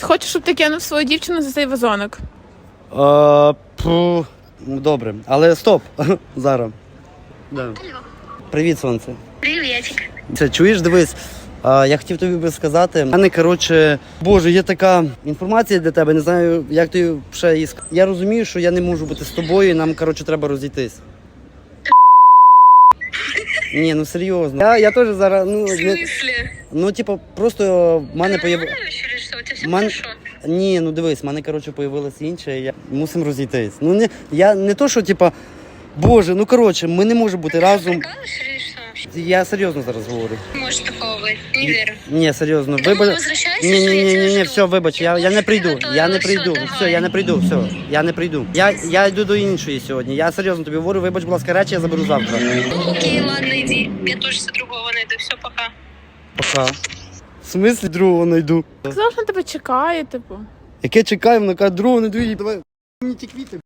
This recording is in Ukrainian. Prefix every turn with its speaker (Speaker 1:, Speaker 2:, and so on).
Speaker 1: Хочу, щоб ти кинув свою дівчину за цей вазоник.
Speaker 2: Добре, але стоп. Зараз. Да.
Speaker 3: Алло.
Speaker 2: Привіт, сонце.
Speaker 3: Приветик.
Speaker 2: Це, чуєш, дивись, я хотів тобі би сказати, в мене, коротше, боже, є така інформація для тебе, не знаю, як ти ще її сказати. Я розумію, що я не можу бути з тобою, і нам, коротше, треба розійтись. Ні, ну серйозно. Я теж зараз,
Speaker 3: В смысле?
Speaker 2: типу, просто в мене
Speaker 3: Ты
Speaker 2: появилось...
Speaker 3: нормально вообще или что? У тебя все хорошо?
Speaker 2: Ні, ну дивись, в мене, коротше, появилось інше, і я мусимо розійтись. Ну, я не то, що, типа, боже, ну, коротше, ми не можемо бути разом.
Speaker 3: Прикалываешься или что вообще?
Speaker 2: Я серйозно зараз говорю.
Speaker 3: Не может такого быть. Не верю.
Speaker 2: Ні, серйозно.
Speaker 3: Домой возвращайся,
Speaker 2: Ні,
Speaker 3: что я тебя жду.
Speaker 2: все, вибач, я не прийду. Я не прийду. Все, я не прийду, все. Я не прийду. Я йду до іншої сьогодні. Я серйозно тобі говорю, вибач, будь ласка, речі я заберу завтра.
Speaker 3: Ну окей, ладно, иди. Я тоже себе другого найду. Все, пока.
Speaker 2: Пока. В смислі другого знайду?
Speaker 1: Сказав, що на тебе чекає, типу.
Speaker 2: Яке чекаю, вона каже, другого знайду і давай мені ті квіти.